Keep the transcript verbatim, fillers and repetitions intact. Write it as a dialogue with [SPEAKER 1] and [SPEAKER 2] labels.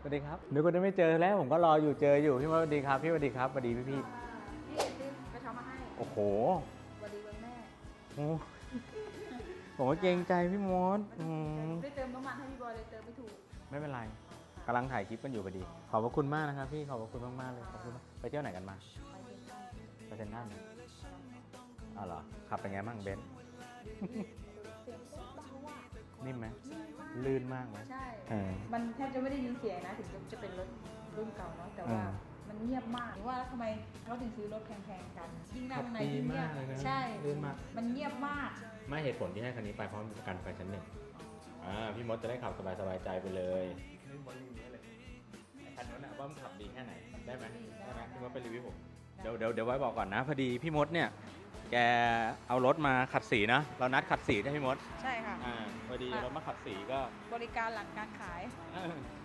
[SPEAKER 1] สวัสดีครับนึกว่าจะไม่เจอแล้วผมก็รออยู่เจออยู่พี่มดสวัสดีครับพี่สวัสดีครับสวัสดีพี่พี่
[SPEAKER 2] พี่ซื้อกระเช้ามาให้
[SPEAKER 1] โอ้โห
[SPEAKER 2] สวัสดีวันแม่
[SPEAKER 1] โอ้ผมก็เกรงใจพี่มดอืม
[SPEAKER 2] ได้เติมน้ำมันให้พี่บอยเลยเติมไม่ถูก
[SPEAKER 1] ไม่เป็นไรกำลังถ่ายคลิปกันอยู่พอดีขอบพระคุณมากนะครับพี่ขอบพระคุณมากๆเลยขอบคุณมากไปเที่ยวไหนกันมา
[SPEAKER 2] ไปเซ็นทรัล
[SPEAKER 1] ไปเซ็นทรัลอ๋อเหรอขับเป็นไงบ้างเบนซ์
[SPEAKER 2] เสียงโคตรเบาอ่ะ
[SPEAKER 1] นิ่มไหมลื่นมากไหม
[SPEAKER 2] ใช่
[SPEAKER 1] เออ
[SPEAKER 2] มันแทบจะไม่ได้ยินเสียงนะถึงจะเป็นรถรุ่นเก่าเนาะแต่ว่า
[SPEAKER 1] อืม
[SPEAKER 2] มันเงียบมากว่าแล้วทำไมเขาถึงซื้อรถแพงๆกันยิ่งนั่งใน
[SPEAKER 1] ดี
[SPEAKER 2] ยิ่งเงียบ
[SPEAKER 1] มากเลยนะ
[SPEAKER 2] ใช่
[SPEAKER 1] ลื่นมาก
[SPEAKER 2] มันเงียบมาก
[SPEAKER 1] ไม่เหตุผลที่ให้คันนี้ไปเพราะมีประกันไฟชั้นหนึ่งอ่าพี่มดจะได้ขับสบายๆใจไปเลยนี่มดรีวิวเลยไอ้คันนู้นนะว่ามันขับดีแค่ไหนได้ไหมได้ไหมพี่มดไปรีวิวผมเดี๋ยวเดี๋ยวเดี๋ยวไว้บอกก่อนนะพอดีพี่มดเนี่ยแกเอารถมาขัดสีนะเรานัดขัดสีได้พี่มด
[SPEAKER 2] ใช่ค่ะ
[SPEAKER 1] อ่าพอดีเอารถมาขัดสีก็
[SPEAKER 2] บริการหลังการขาย
[SPEAKER 1] เออ